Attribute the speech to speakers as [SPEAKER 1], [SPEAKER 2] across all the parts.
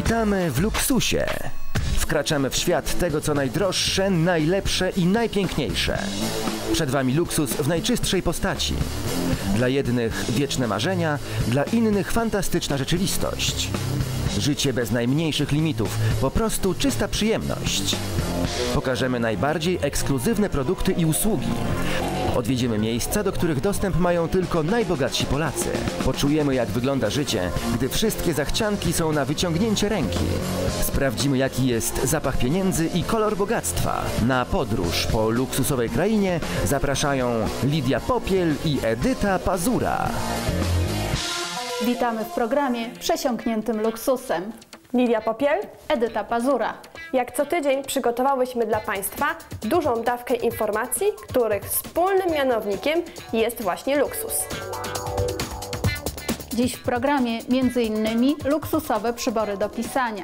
[SPEAKER 1] Witamy w luksusie. Wkraczamy w świat tego, co najdroższe, najlepsze i najpiękniejsze. Przed Wami luksus w najczystszej postaci. Dla jednych wieczne marzenia, dla innych fantastyczna rzeczywistość. Życie bez najmniejszych limitów, po prostu czysta przyjemność. Pokażemy najbardziej ekskluzywne produkty i usługi. Odwiedzimy miejsca, do których dostęp mają tylko najbogatsi Polacy. Poczujemy, jak wygląda życie, gdy wszystkie zachcianki są na wyciągnięcie ręki. Sprawdzimy, jaki jest zapach pieniędzy i kolor bogactwa. Na podróż po luksusowej krainie zapraszają Lidia Popiel i Edyta Pazura.
[SPEAKER 2] Witamy w programie przesiąkniętym luksusem.
[SPEAKER 3] Lidia Popiel,
[SPEAKER 2] Edyta Pazura.
[SPEAKER 3] jak co tydzień przygotowałyśmy dla Państwa dużą dawkę informacji, których wspólnym mianownikiem jest właśnie luksus.
[SPEAKER 2] Dziś w programie m.in. luksusowe przybory do pisania,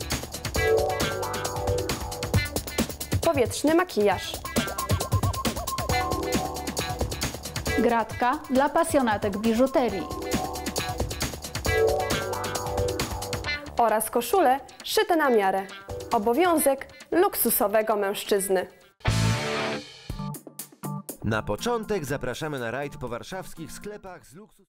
[SPEAKER 3] Powietrzny makijaż,
[SPEAKER 2] gratka dla pasjonatek biżuterii
[SPEAKER 3] oraz koszule szyte na miarę. Obowiązek luksusowego mężczyzny.
[SPEAKER 1] Na początek zapraszamy na rajd po warszawskich sklepach z luksus.